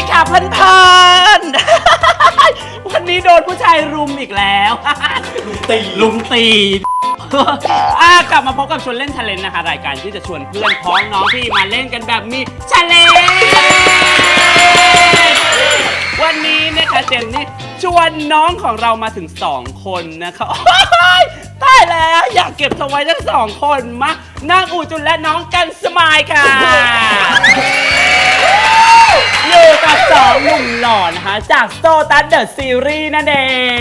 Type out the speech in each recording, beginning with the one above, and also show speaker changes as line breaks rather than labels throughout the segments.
ค่ะเพื่อนๆ วันนี้โดนผู้ชายรุมอีกแล้วลุมตีกลับมาพบกับชวนเล่น Challenge นะคะรายการที่จะชวนเพื่อนพ้องน้องพี่มาเล่นกันแบบมี Challenge วันนี้นะคะเจนนี่ชวนน้องของเรามาถึง2คนนะคะตายแล้วอยากเก็บเธอไว้ทั้ง2คนมานางอูจุนและน้องกันสมายค่ะอยู่กับ2หนุ่มหล่อนะคะจากโซตัสเดอะซีรีส์นั่นเอง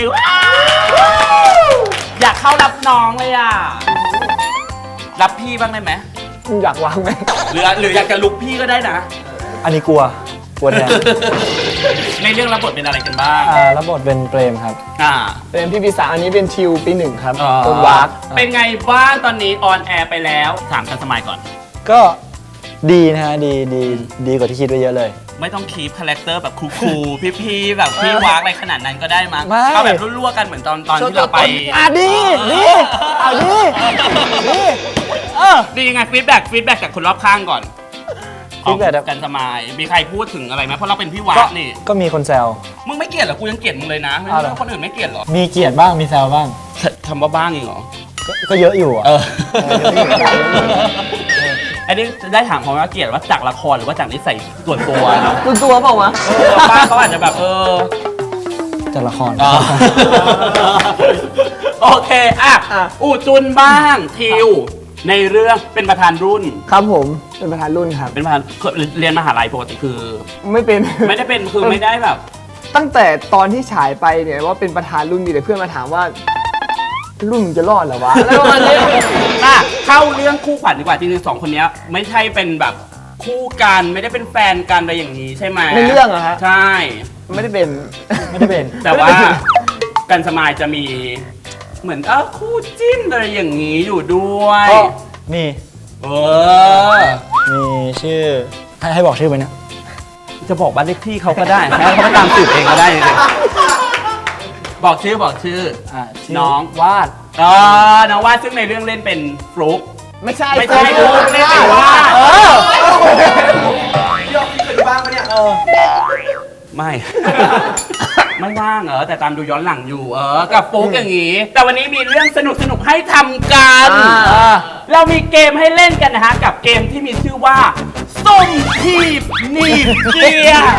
อยากเข้ารับน้องเลยอ่ะรับพี่บ้างได้ไหม
อยากวางไหม
หรืออยากจะลุกพี่ก็ได้นะ
อันนี้กลัวแทน
ในเรื่องรับบทเป็นอะไรกันบ้าง
รับบทเป็นเปรมครับ
เป็นพี่ปีศาจอันนี้เป็นทิวปี1ครับ
ตัววักเป็นไงบ้างตอนนี้ออนแอร์ไปแล้วถามกันสมัยก่อน
ก็ดีนะฮะดีกว่าที่คิดไว้เยอะเลย
ไม่ต้องคีปคาแรคเตอร์แบบคูลๆพี่แบบพี่วักอะไรขนาดนั้นก็ได้มั้งเอาแบบรั่วๆกันเหมือนตอนที่เราไป
ดี
ยังไงฟีดแบ็กจากคนรอบข้างก่อนฟีดแบ็กกันสมัยมีใครพูดถึงอะไรไหมเพราะเราเป็นพี่วักนี่
ก็มีคนแซว
มึงไม่เกลียดเหรอกูยังเกลียดมึงเลยนะไม่ใช่คนอื่นไม่เกลียดหรอ
มีเกลียดบ้างมีแซวบ้าง
ทำว่าบ้างเองเหรอ
ก็เยอะอยู่อ่ะ
อันนี้ได้ถามเขาว่าเกลียดว่าจากละครหรือว่าจากนิสัยส่วนตัว
ตัวเปล่าวะ
บ้างเขาอาจจะแบบ
จากละคร
โอเคอูจุนบ้างทิวในเรื่องเป็นประธานรุ่น
ครับผมเป็นประธานรุ่นครับ
เป็นประธานเรียนมหาลัยปกติคือ
ไม่
ได้เป็นคือไม่ได้แบบ
ตั้งแต่ตอนที่ฉายไปเนี่ยว่าเป็นประธานรุ่นมีแต่เพื่อนมาถามว่ารุ่นมึงจะรอดเหรอวะแล้วประมาณนี้
เข้าเรื่องคู่ขวัญดีกว่าจริงๆ2คนนี้ไม่ใช่เป็นแบบคู่กันไม่ได้เป็นแฟนกันอะไรอย่างนี้ใช่ไหม
ในเรื่องอะฮะ
ใช่
ไม่ได้เป็น
แต่ว่ากันสมายจะมีเหมือนคู่จิ้นอะไรอย่างนี้อยู่ด้วย
มี
มี
ชื่อให้บอกชื่อไหมนะ
จะบอกบ้านเลขที่เขาก็ได้ให้เขาไปตามสืบเองก็ได้เลยบอกชื่อน้องวาดน้องวาดซึ่งในเรื่องเล่นเป็นฟลุ๊ก
ไม่ใช่
ฟลุ๊กเล่นเป็นวาด
ยกเคยดูบ้างปะเนี่ย
ไม่ว่างแต่ตามดูย้อนหลังอยู่กับฟลุ๊กอย่างงี้แต่วันนี้มีเรื่องสนุกให้ทำกันเรามีเกมให้เล่นกันนะฮะกับเกมที่มีชื่อว่าส้มทีบหนีบเกียร์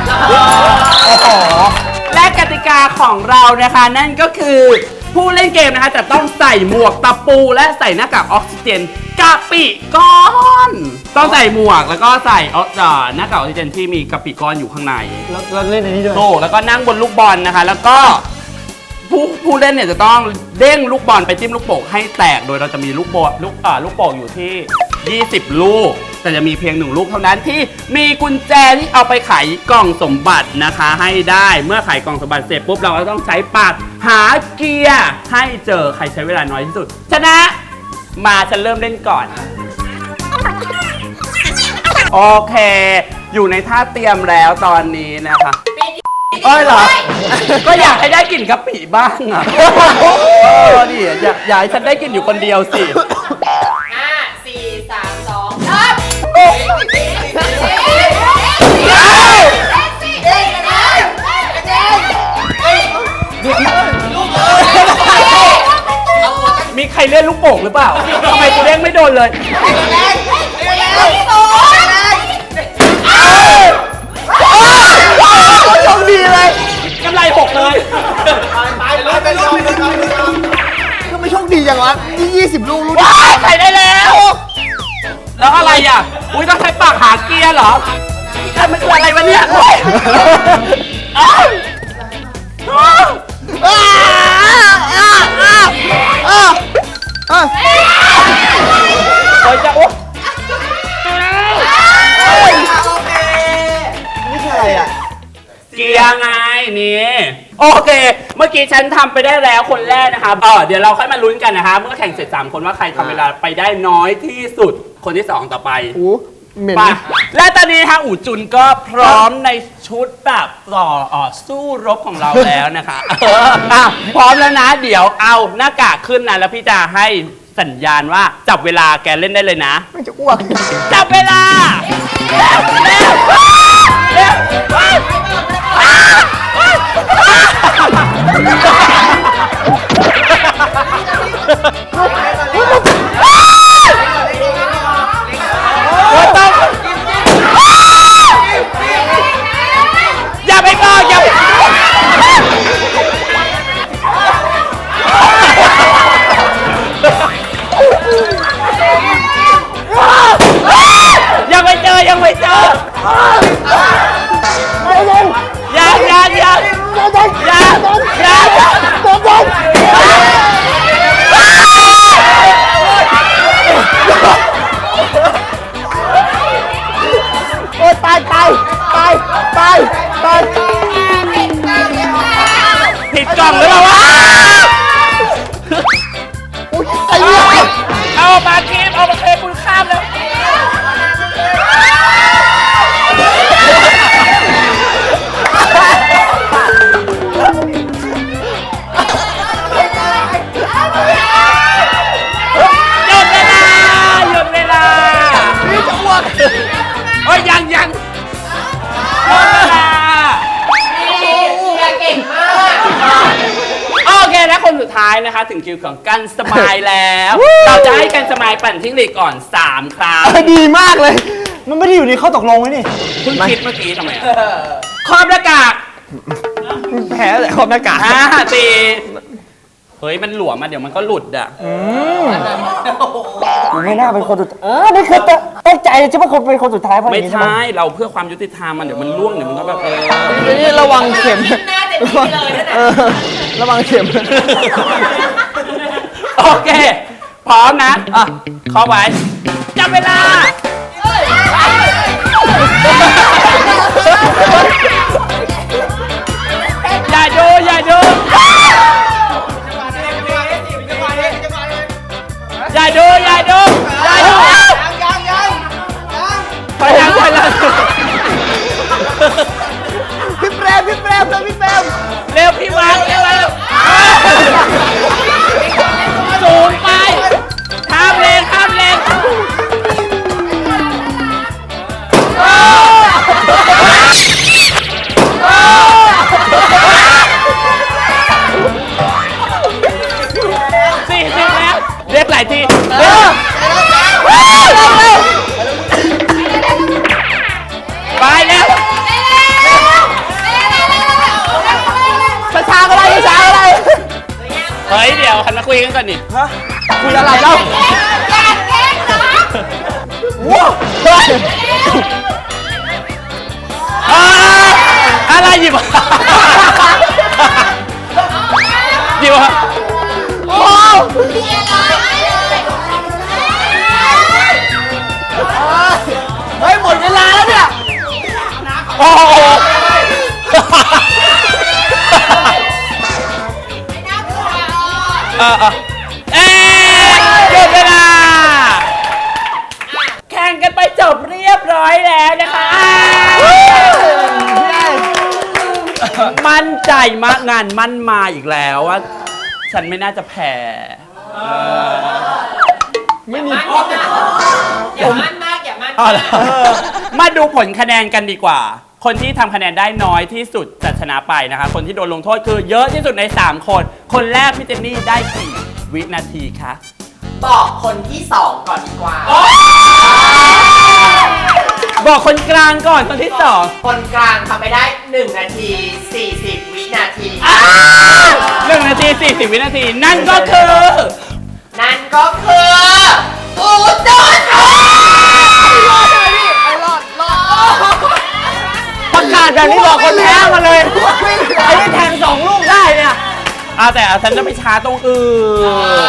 และกติกาของเรานะคะนั่นก็คือผู้เล่นเกมนะคะจะต้องใส่หมวกตะปูและใส่หน้ากากออกซิเจนกะปิก้อนต้องใส่หมวกแล้วก็ใส่หน้ากากออกซิเจนที่มีกะปิก้อนอยู่ข้างใน
แล้วเล่นในนี้ด้วย
แล้วก็นั่งบนลูกบอลนะคะแล้วก็ผู้เล่นเนี่ยจะต้องเด้งลูกบอลไปจิ้มลูกโป่งให้แตกโดยเราจะมีลูกโป่งอยู่ที่20ลูกแต่จะมีเพียง1ลูกเท่านั้นที่มีกุญแจที่เอาไปไขกล่องสมบัตินะคะให้ได้เมื่อไขกล่องสมบัติเสร็จปุ๊บเราก็ต้องใช้ปากหาเกียร์ให้เจอใครใช้เวลาน้อยที่สุดชนะมาฉันเริ่มเล่นก่อนโอเคอยู่ในท่าเตรียมแล้วตอนนี้นะคะเหรอก็อยากให้ได้กลิ่นกะปิบ้างอ่ะดิอยากให้ฉันได้กลิ่นอยู่คนเดียวสิ
5 4 3 2เริ่
มมีใครเล่นลูกโป่งหรือเปล่าทำไมกูเด้งไม่โดนเลย
โชคดีเลย
กำไรหกเลย
ไปก็ไม่โชคดีอย่างวะนี่20ลูก
ใส่ได้แล้วแล้วอะไรอ่ะอุ้ยต้องใช้ปากหาเกียร์เหรอมันคืออะไรวะเนี่ยโอ้ยจะอุ๊
นี่คืออะไรอ่ะ
เกียร์ไงนี่โอเคเมื่อกี้ฉันทำไปได้แล้วคนแรกนะคะเดี๋ยวเราค่อยมาลุ้นกันนะคะเมื่อแข่งเสร็จ3คนว่าใครทำเวลาไปได้น้อยที่สุดคนที่2ต่อไปไปและตอนนี้อู่จุนก็พร้อมในชุดแบบสู้รบของเราแล้วนะคะพร้อมแล้วนะเดี๋ยวเอาหน้ากากขึ้นนะแล้วพี่จะให้สัญญาณว่าจับเวลาแกเล่นได้เลยนะ
ไม่จะอ้วก
จับเวลาเร็วายนะคะถึงคิวของกันสมายแล้ว เราจะให้กันสมายปั่นทิ้งหลีกก่อน 3 ครั้ง
ดีมากเลย มันไม่ได้อยู่ในข้อตกลงไว้นี่
คุณคิดเมื่อกี้ทำไมอะครอบหน้ากาก
แพ้แต่ขอบหน้ากาก
ตีเฮ้ยมันหลวมมาเดี๋ยวมันก็หลุดอ่ะ
กูไม่น่าเป็นคนสุดนี่คือตั้งใจจะเป็นคนเป็นคนสุดท้ายเพราะอ
ไม่
ย่างนี้ใช่ไหม
ใช่เราเพื่อความยุติธรรมมันเดี๋ยวมันล่วงเดี๋ยวมันก็แบบ
นี่ระวังเข็ม
หน้าเต็มที่เลยนั่น
เอ
น่ะ
อระวังเข็ม
โอเค พร้อมนะอ่ะเข้าไว้จับเวลา อย่าดูอย่าดูอย่าดูอย่าดูอย่าดูไปยังไปยัง
พี่แปรมเลยพี่แปรม
เร็วพี่วางเร็วเร็วสูงไปข้ามเลนข้ามเลน40แล้วเรียกหลายทีเร็วไปแล้ว
ช้าก็ได้ช้าก็ได้
เฮ้ยเดี๋ยวหันมาคุยกันก่อนนี่
คุยอะไรเล่า
อะไรหยิบมาหยิบมา
เฮ้ยหมดเวลาแล้วเนี่ย
โอ้โหเอ๊หยุดเวลาแข่งกันไปจบเรียบร้อยแล้วนะคะมั่นใจมากงานมั่นมาอีกแล้วว่าฉันไม่น่าจะแพ้
ไม่มี
อย่ามั่นมากอย่ามั่น
เอา
มาก
ล่ะมาดูผลคะแนนกันดีกว่า คนที่ทำคะแนนได้น้อยที่สุดจะชนะไปนะคะ คนที่โดนลงโทษคือเยอะที่สุดใน 3 คน คนแรกพี่เจนนี่ได้กี่วินาทีคะ
บอกคนที่ 2 ก่อนดีกว่า
บอกคนกลางก่อนคนที่สอง
คนกลางทำไปได้ 1 นาที 40 วินาที
1 นาที 40 วินาที นั่นก็คือ
นั่นก็คืออูจุน
ประกาศแบบนี้บอกคนแพ้มาเลยไอ้นี่แทง2 ลูกได้เนี่ย
แต่ฉันจะไปช้าตรงอื่น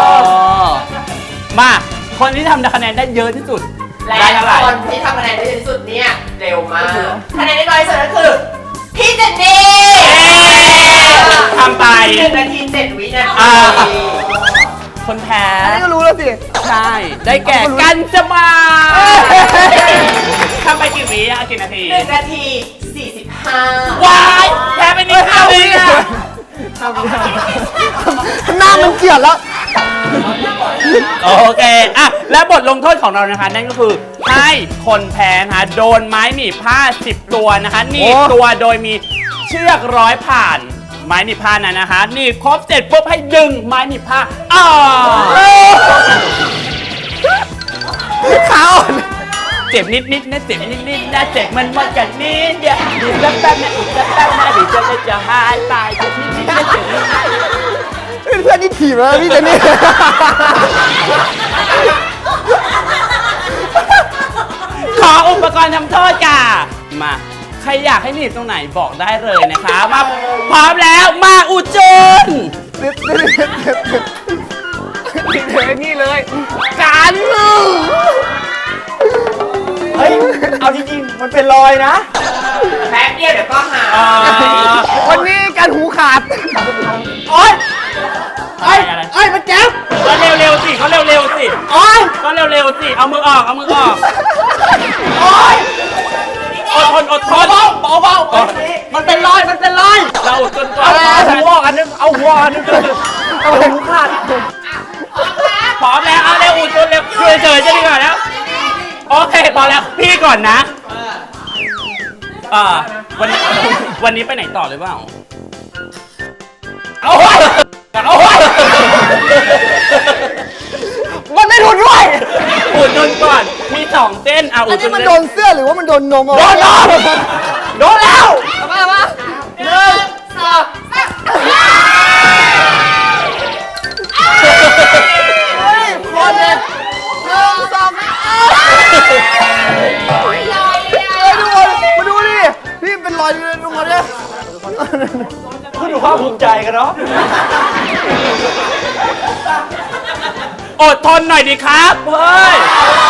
มา คนที่ทำคะแนนได้เยอะที่สุด
และ
ได้เท่าไหร่
คนที่ทำคะแนนได้เยอะที่สุดเนี่ยเร็วมากคะแนนได้น้อยสุดก็คือพี่เจนนี่
ทำไป
1 นาที 7 วินา
อ่า
ที
คนแพ้
อันนี้ก็รู้แล้วสิ
ใช่ ได้แก่กันจะมาทำไปกี่วิอะกี่นาที
1 นาที 45
ว้ายแพ้ไปนิดเดียวเองอะ
หน้ามันเกลียดแล้ว
โอเคอะและบทลงโทษของเรานะคะ นั่นก็คือให้คนแพ้นะคะโดนไม้หนีบผ้า 10 ตัวนะคะหนีบตัวโดยมีเชือกร้อยผ่านไม้หนีบผ้านั้นนะคะหนีบครบเสร็จปุ๊บให้ดึงไม้หนีบผ้า
ขาอ่อน
เจ็บนิดนะเจ็บนิดนะเจ็บมันมาจากนิดเดียวอีกแป๊บๆนะอีกแป๊บๆนะเดี๋ยวจะหายไปเจ็บนิดนะเจ็บนิด
เพื่อนนี่ถีบแล้วพี่เจนนี่
ขออุปกรณ์ทำโทษค่ะมาใครอยากให้หนีบตรงไหนบอกได้เลยนะคะมาพร้อมแล้วมาอุจจน
นี่เลย
กัน
เฮ้ย เอาจริงๆ มันเป็นรอยนะ
แป๊บเดียวเดี๋ยวก็หาย
วันนี้การหูขาด
โอ๊ย
เอ้ย
มันเจ็บ
ก็เร็วๆสิเขาเร็วๆสิ
โอ๊ย
ก็เร็วๆสิเอามือออกเอามือออก
โอ๊ย
อดทน
เบาๆมันเป็นรอย
เราอดทนก่อน
เอาหัวอันนึง เอาหัวอันนึงเอาหูขาด
พร้อมแล้วเอาเร็วอุจจนเร็วเฉยๆจะดีกว่าแล้วโอเคพอแล้วพี่ก่อนนะวันนี้ไปไหนต่อหรือเปล่าเอาไว้ 2 เส้นเอา
อันนี้มันโดนเสื้อหรือว่ามันโดนนมเอา
โดนโดนแล้ว
มา
หนึ่งสองสาม
คนเลยสองทุกคนมาดูดิพี่เป็นรอยอยู่เลยทุกคนเนี่ย
คุณดูความภูมิใจกันเนาะ
อดทนหน่อยดิครับเฮ้ย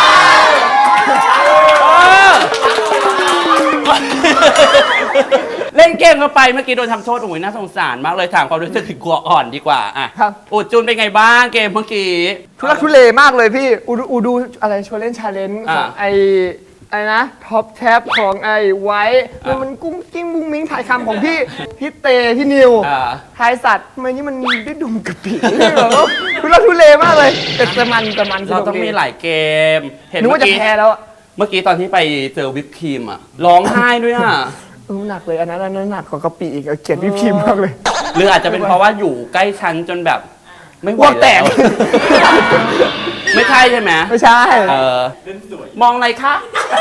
เล่นเกมเข้าไปเมื่อกี้โดนทำโทษโอ้ยน่าสงสารมากเลยถามความรู้สึกถึงกลัวอ่อนดีกว่าอ่ะ
ครับ
อุดจูนเป็นไงบ้างเกมเมื่อกี้
ทุลักทุเลมากเลยพี่อูดูอะไรชวนเล่นชาเลนจ์ของไอ้นะท็อปแท็บของไอ้ไว้มันกุ้งกิ้งมุ้งมิ้งถ่ายคำของพี่เตพี่นิวทายสัตว์ทำไมนี่มันได้ดุมกระปิแบบว่าทุลักทุเลมากเลยแต่มัน
เรา
สนุก
ต้อง
ดี
มีหลายเกม เห็น
นึก
เมื่
ว่า
อ
จะ
กี้
แพ้แล้วอะ
เมื่อกี้ตอนที่ไปเจอวิปครีมอ่ะร้องไห้ด้วยอ่ะ
หนักเลยอันนั้นหนักกว่ากะปิอีกเกลียดพี่พิมพ์มากเลย
หรืออาจจะเป็นเพราะว่าอยู่ใกล้ชั้นจนแบบไม่ไหว
อ้วกแต
แล้ว
ก
ไม่ใช่ใช่ไหม
ไม่ใช่
มองอะไรคะ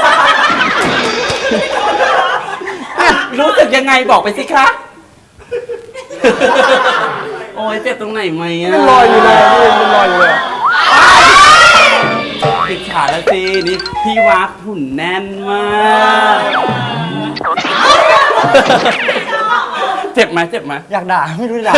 รู้สึกยังไงบอกไปสิคะ โอ้ยเจ็บตรงไหนไหมอ่ะ
เป็นรอยอยู่เลยพี่เป็นรอยอยู่เลย
ปิดฉาแล้วสินี่พี่วักหุ่นแน่นมาก เจ็บไหมเจ็บไหม
อยากด่าไม่รู้จะด่า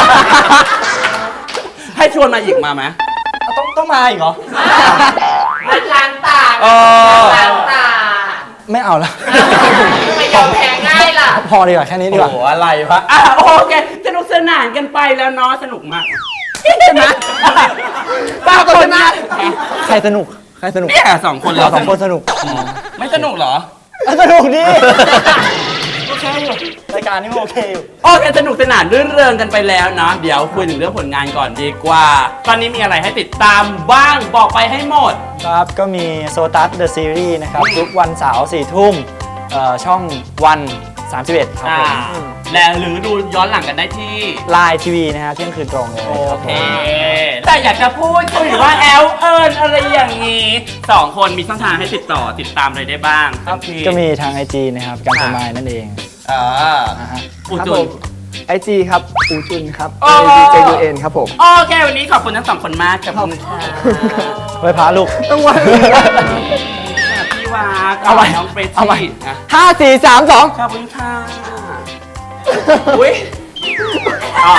ให้ชวนมาอีกมาไหม
ต้องมาอีกเหรอ
นัดล้างตา
เออ
ล้างตา
ไม่เอาละ
ทำไมยอมแพ้ง่ายล่ะ
พอดีกว่าแค่นี้ดีกว่า
โอ้โหอะไรวะโอเคสนุกสนานกันไปแล้วเนาะสนุกมากใช่ไหมป้าคนนะ
ใครสนุก ใครสนุก
เนี่ย2 คนเรา
เราสองคนสนุก
ไม่สนุกเหรอ
สนุกดิโอเคอยู่รายการนี้มันโอเคอยู่
โอเคสนุกสนานรื่นเริงกันไปแล้วเนาะเดี๋ยวคุยถึงเรื่องผลงานก่อนดีกว่า ตอนนี้มีอะไรให้ติดตามบ้างบอกไปให้หมด
ครับ ก็มีโซตัสเดอะซีรีส์นะครับ ทุกวันเสาร์4 ทุ่มช่องวัน31 ครับผม
และหรือดูย้อนหลังกันได้ที่
ไลน์ทีวีนะฮะเที่ยงคืนตรงเลย
โอ
ครับ
เค
ผม
แต่อยากจะพูดคุยว่าแอลเอิญอะไรอย่างนี้2 คนมีช่องทางให้ติดต่อติดตามอะไรได้บ้าง
ก็มีทาง IG นะครับการทำไมนั่นเอง นะฮะ
อุ
ครับ
จุ
ผ
น
มไอจีครับอูจุนครับ
อ๋อ
JUN ครับผม
โอเค วันนี้ขอบคุณทั้ง 2 คนมากขอบคุณค่ะ
ไว้พาลูก
ต้องวัน
พี่วา
เอาใหม่
น้องเฟรช
เอาใหม่
ชี่นะ
5 4 3 2
ขอบคุณค่ะอุ้ยอ๋อ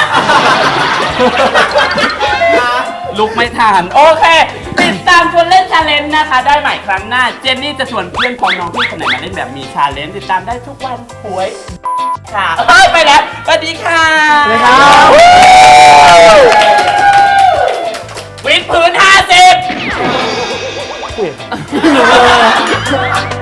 ลุกไม่ทันโอเค ติดตามชวนเล่นชาเลนจ์นะคะ ได้ใหม่ครั้งหน้า เจนนี่จะชวนเพื่อนพ้องน้องพี่คนไหนมาเล่นแบบมีชาเลนจ์ติดตามได้ทุกวันหวยค่ะไปแล้วสวัสดีค่ะ
สวัสดีครับ
วิดพื้น 50